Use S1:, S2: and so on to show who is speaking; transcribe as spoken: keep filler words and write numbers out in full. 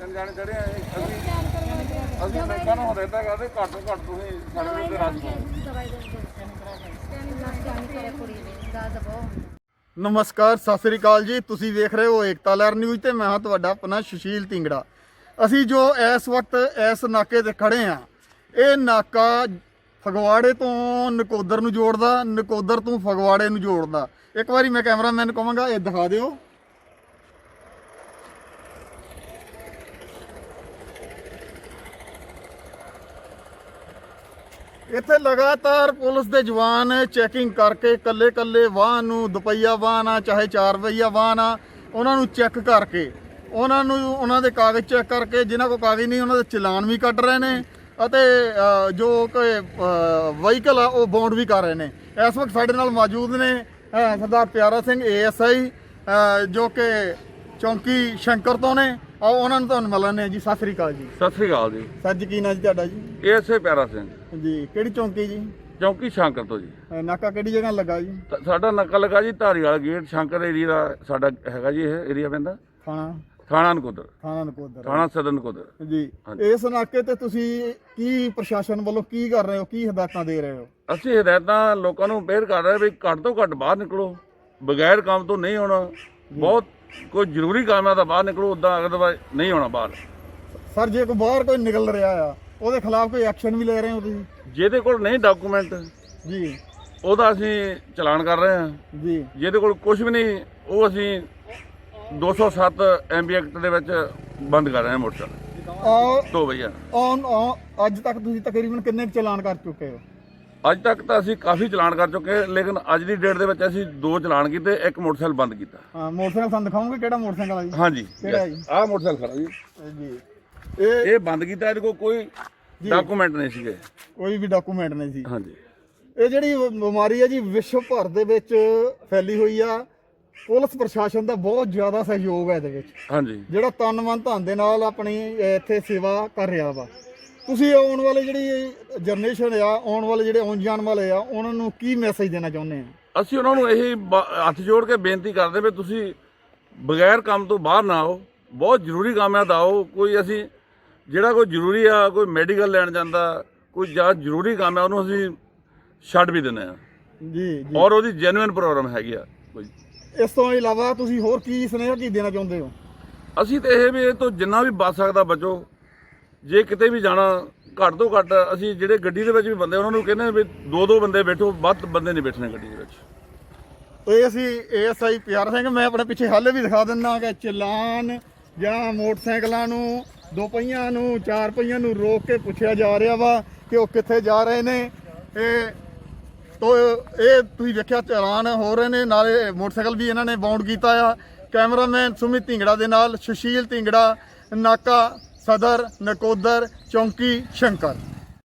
S1: ਤਿੰਨ ਜਾਣੇ ਚੜੇ ਆ ਅਸੀਂ ਅਸੀਂ ਲੋਕਾਂ ਨੂੰ ਹਦਾਇਤਾਂ ਕਰਦੇ ਘੱਟ ਤੋਂ ਘੱਟ ਤੁਸੀਂ ਸਾਡੇ ਤੇ ਰਾਜ
S2: ਨਮਸਕਾਰ, ਸਤਿ ਸ੍ਰੀ ਅਕਾਲ ਜੀ। ਤੁਸੀਂ ਵੇਖ ਰਹੇ ਹੋ ਏਕਤਾ ਲਹਿਰ ਨਿਊਜ਼ ਤੇ ਮੈਂ ਹਾਂ ਤੁਹਾਡਾ ਆਪਣਾ ਸੁਸ਼ੀਲ ਢਿੰਗੜਾ। ਅਸੀਂ ਜੋ ਇਸ ਵਕਤ ਇਸ ਨਾਕੇ ਤੇ ਖੜੇ ਆ, ਇਹ ਨਾਕਾ ਫਗਵਾੜੇ ਤੋਂ ਨਕੋਦਰ ਨੂੰ ਜੋੜਦਾ, ਨਕੋਦਰ ਤੋਂ ਫਗਵਾੜੇ ਨੂੰ ਜੋੜਦਾ। ਇੱਕ ਵਾਰੀ ਮੈਂ ਕੈਮਰਾਮੈਨ ਨੂੰ ਕਹਾਂਗਾ ਇਹ ਦਿਖਾ ਦਿਓ। ਇੱਥੇ ਲਗਾਤਾਰ ਪੁਲਿਸ ਦੇ ਜਵਾਨ ਚੈਕਿੰਗ ਕਰਕੇ ਕੱਲੇ ਕੱਲੇ ਵਾਹਨ ਨੂੰ, ਦੁਪਹੀਆ ਵਾਹਨ ਆ ਚਾਹੇ ਚਾਰ ਪਹੀਆ ਵਾਹਨ ਆ, ਉਹਨਾਂ ਨੂੰ ਚੈੱਕ ਕਰਕੇ ਉਹਨਾਂ ਨੂੰ ਉਹਨਾਂ ਦੇ ਕਾਗਜ਼ ਚੈੱਕ ਕਰਕੇ, ਜਿਨ੍ਹਾਂ ਕੋਲ ਕਾਗਜ਼ ਨਹੀਂ ਉਹਨਾਂ ਦੇ ਚਲਾਨ ਵੀ ਕੱਟ ਰਹੇ ਨੇ ਅਤੇ ਜੋ ਕਿ ਵਹੀਕਲ ਆ ਉਹ ਬਾਉਂਡ ਵੀ ਕਰ ਰਹੇ ਨੇ। ਇਸ ਵਕਤ ਸਾਡੇ ਨਾਲ ਮੌਜੂਦ ਨੇ ਸਰਦਾਰ ਪਿਆਰਾ ਸਿੰਘ ਏ ਐਸ ਆਈ ਜੋ ਕਿ ਚੌਂਕੀ ਸ਼ੰਕਰ ਤੋਂ ਨੇ। ਆਓ ਉਹਨਾਂ ਨੂੰ ਤੁਹਾਨੂੰ ਮਿਲਣ ਨੇ ਜੀ। ਸਤਿ ਸ੍ਰੀ ਅਕਾਲ ਜੀ।
S1: ਸਤਿ ਸ੍ਰੀ ਅਕਾਲ ਜੀ।
S2: ਸਰ ਜੀ ਕੀ ਨਾਂ ਜੀ ਤੁਹਾਡਾ ਜੀ?
S1: ਏਐਸਏ ਪਿਆਰਾ ਸਿੰਘ
S2: ਜੀ। ਕਿਹੜੀ ਚੌਂਕੀ ਜੀ?
S1: ਚੌਂਕੀ ਸ਼ੰਕਰ ਤੋਂ ਜੀ।
S2: ਨਾਕਾ ਕਿਹੜੀ ਜਗ੍ਹਾ ਲੱਗਾ ਜੀ?
S1: ਸਾਡਾ ਨਕਲ ਲੱਗਾ ਜੀ ਧਾਰੀਵਾਲ ਗੇਟ, ਸ਼ੰਕਰ ਏਰੀਆ ਦਾ ਸਾਡਾ ਹੈਗਾ ਜੀ। ਇਹ ਏਰੀਆ ਪੈਂਦਾ
S2: ਥਾਣਾ
S1: ਥਾਣਾ ਨਕੋਦਰ,
S2: ਥਾਣਾ ਨਕੋਦਰ,
S1: ਥਾਣਾ ਸਦਰ ਨਕੋਦਰ
S2: ਜੀ। ਇਸ ਨਾਕੇ ਤੇ ਤੁਸੀਂ ਕੀ ਪ੍ਰਸ਼ਾਸਨ ਵੱਲੋਂ ਕੀ ਕਰ ਰਹੇ ਹੋ, ਕੀ ਹਦਾਇਤਾਂ ਦੇ ਰਹੇ ਹੋ?
S1: ਅਸੀਂ ਹਦਾਇਤਾਂ ਲੋਕਾਂ ਨੂੰ ਅਪੀਲ ਕਰ ਰਹੇ ਵੀ ਘੱਟ ਤੋਂ ਘੱਟ ਬਾਹਰ ਨਿਕਲੋ, ਬਗੈਰ ਕੰਮ ਤੋਂ ਨਹੀਂ ਹੋਣਾ। ਬਹੁਤ ਕੋਈ ਜ਼ਰੂਰੀ ਕੰਮ ਹੈ ਤਾਂ ਬਾਹਰ ਨਿਕਲੋ, ਉੱਦਾਂ ਅਗਰ ਨਹੀਂ ਹੋਣਾ ਬਾਹਰ।
S2: ਸਰ ਜੇ ਕੋਈ ਬਾਹਰ ਕੋਈ ਨਿਕਲ ਰਿਹਾ ਆ ਉਹਦੇ ਖਿਲਾਫ ਕੋਈ ਐਕਸ਼ਨ ਵੀ ਲੈ ਰਹੇ ਹੋ ਤੁਸੀਂ?
S1: ਜਿਹਦੇ ਕੋਲ ਨਹੀਂ ਡਾਕੂਮੈਂਟ
S2: ਜੀ
S1: ਉਹਦਾ ਅਸੀਂ ਚਲਾਨ ਕਰ ਰਹੇ ਹਾਂ
S2: ਜੀ। ਜਿਹਦੇ
S1: ਕੋਲ ਕੁਝ ਵੀ ਨਹੀਂ ਉਹ ਅਸੀਂ ਦੋ ਸੌ ਸੱਤ ਐਮ ਬੀ ਐਕਟ ਦੇ ਵਿੱਚ ਬੰਦ ਕਰ ਰਹੇ ਹਾਂ ਮੋਟਰਸਾਈਕਲ ਤੋਂ ਭਈਆ।
S2: ਅੱਜ ਤੱਕ ਤੁਸੀਂ ਤਕਰੀਬਨ ਕਿੰਨੇ ਚਲਾਨ ਕਰ ਚੁੱਕੇ ਹੋ?
S1: ਅੱਜ ਤੱਕ ਤਾਂ ਅਸੀਂ ਕਾਫੀ ਚਲਾਨ ਕਰ ਚੁੱਕੇ, ਲੇਕਿਨ ਅੱਜ ਦੀ ਡੇਟ ਦੇ ਵਿੱਚ ਅਸੀਂ ਦੋ ਚਲਾਨ ਕੀਤੇ, ਇੱਕ ਮੋਟਰਸਾਈਕਲ ਬੰਦ ਕੀਤਾ।
S2: ਹਾਂ, ਮੋਟਰਸਾਈਕਲ ਤੁਹਾਨੂੰ ਦਿਖਾਓਗੇ ਕਿਹੜਾ ਮੋਟਰਸਾਈਕਲ ਆ ਜੀ?
S1: ਹਾਂਜੀ,
S2: ਕਿਹੜਾ ਜੀ?
S1: ਆਹ ਮੋਟਰਸਾਈਕਲ ਖੜਾ ਜੀ
S2: ਜੀ।
S1: ਇਹ ਇਹ ਬੰਦ ਕੀਤਾ, ਇਹਦੇ ਕੋਲ ਕੋਈ ਡਾਕੂਮੈਂਟ ਨਹੀਂ ਸੀਗੇ,
S2: ਕੋਈ ਵੀ ਡਾਕੂਮੈਂਟ ਨਹੀਂ ਸੀ।
S1: ਹਾਂਜੀ।
S2: ਇਹ ਜਿਹੜੀ ਬਿਮਾਰੀ ਹੈ ਜੀ ਵਿਸ਼ਵ ਭਰ ਦੇ ਵਿੱਚ ਫੈਲੀ ਹੋਈ ਆ। ਪੁਲਿਸ ਪ੍ਰਸ਼ਾਸਨ ਦਾ ਬਹੁਤ ਜ਼ਿਆਦਾ ਸਹਿਯੋਗ ਹੈ ਇਹਦੇ ਵਿੱਚ।
S1: ਹਾਂਜੀ।
S2: ਜਿਹੜਾ ਤਨ ਮਨ ਧਨ ਦੇ ਨਾਲ ਆਪਣੀ ਇੱਥੇ ਸੇਵਾ ਕਰ ਰਿਹਾ ਵਾ। ਤੁਸੀਂ ਆਉਣ ਵਾਲੇ ਜਿਹੜੀ ਜਨਰੇਸ਼ਨ ਆ, ਆਉਣ ਵਾਲੇ ਜਿਹੜੇ ਆਉਣ ਜਾਣ ਵਾਲੇ ਆ, ਉਹਨਾਂ ਨੂੰ ਕੀ ਮੈਸੇਜ ਦੇਣਾ ਚਾਹੁੰਦੇ ਆ?
S1: ਅਸੀਂ ਉਹਨਾਂ ਨੂੰ ਇਹ ਹੱਥ ਜੋੜ ਕੇ ਬੇਨਤੀ ਕਰਦੇ ਵੀ ਤੁਸੀਂ ਬਗੈਰ ਕੰਮ ਤੋਂ ਬਾਹਰ ਨਾ ਆਓ। ਬਹੁਤ ਜ਼ਰੂਰੀ ਕੰਮ ਹੈ ਤਾਂ ਆਓ। ਕੋਈ ਅਸੀਂ ਜਿਹੜਾ ਕੋਈ ਜ਼ਰੂਰੀ ਆ, ਕੋਈ ਮੈਡੀਕਲ ਲੈਣ ਜਾਂਦਾ, ਕੋਈ ਜਾਂ ਜ਼ਰੂਰੀ ਕੰਮ ਹੈ, ਉਹਨੂੰ ਅਸੀਂ ਛੱਡ ਵੀ ਦਿੰਦੇ ਆ
S2: ਜੀ ਜੀ।
S1: ਔਰ ਉਹਦੀ ਜੈਨੂਇਨ ਪ੍ਰੋਬਲਮ ਹੈਗੀ ਆ ਕੋਈ।
S2: ਇਸ ਤੋਂ ਇਲਾਵਾ ਤੁਸੀਂ ਹੋਰ ਕੀ ਸੁਨੇਹਾ ਕੀ ਦੇਣਾ ਚਾਹੁੰਦੇ ਹੋ?
S1: ਅਸੀਂ ਤਾਂ ਇਹ ਵੀ ਇਹ ਤੋਂ ਜਿੰਨਾ ਵੀ ਬਚ ਸਕਦਾ ਬਚੋ। ਜੇ ਕਿਤੇ ਵੀ ਜਾਣਾ, ਘੱਟ ਤੋਂ ਘੱਟ ਅਸੀਂ ਜਿਹੜੇ ਗੱਡੀ ਦੇ ਵਿੱਚ ਵੀ ਬੰਦੇ ਉਹਨਾਂ ਨੂੰ ਕਹਿੰਦੇ ਵੀ ਦੋ ਦੋ ਬੰਦੇ ਬੈਠੋ, ਵੱਧ ਬੰਦੇ ਨਹੀਂ ਬੈਠਣੇ ਗੱਡੀ ਦੇ ਵਿੱਚ।
S2: ਇਹ ਅਸੀਂ ਏ ਐਸ ਆਈ ਪਿਆਰਾ ਸਿੰਘ, ਮੈਂ ਆਪਣੇ ਪਿੱਛੇ ਹਾਲੇ ਵੀ ਦਿਖਾ ਦਿੰਦਾ ਕਿ ਚਲਾਨ ਜਾਂ ਮੋਟਰਸਾਈਕਲਾਂ ਨੂੰ, ਦੋ ਪਹੀਆਂ ਨੂੰ, ਚਾਰ ਪਹੀਆਂ ਨੂੰ ਰੋਕ ਕੇ ਪੁੱਛਿਆ ਜਾ ਰਿਹਾ ਵਾ ਕਿ ਉਹ ਕਿੱਥੇ ਜਾ ਰਹੇ ਨੇ। ਇਹ ਤੋ ਇਹ ਤੁਸੀਂ ਵੇਖਿਆ ਚਲਾਨ ਹੋ ਰਹੇ ਨੇ, ਨਾਲੇ ਮੋਟਰਸਾਈਕਲ ਵੀ ਇਹਨਾਂ ਨੇ ਬਾਉਂਡ ਕੀਤਾ ਆ। ਕੈਮਰਾਮੈਨ ਸੁਮਿਤ ਢਿੰਗੜਾ ਦੇ ਨਾਲ ਸੁਸ਼ੀਲ ਢਿੰਗੜਾ, ਨਾਕਾ ਸਦਰ ਨਕੋਦਰ, ਚੌਂਕੀ ਸ਼ੰਕਰ।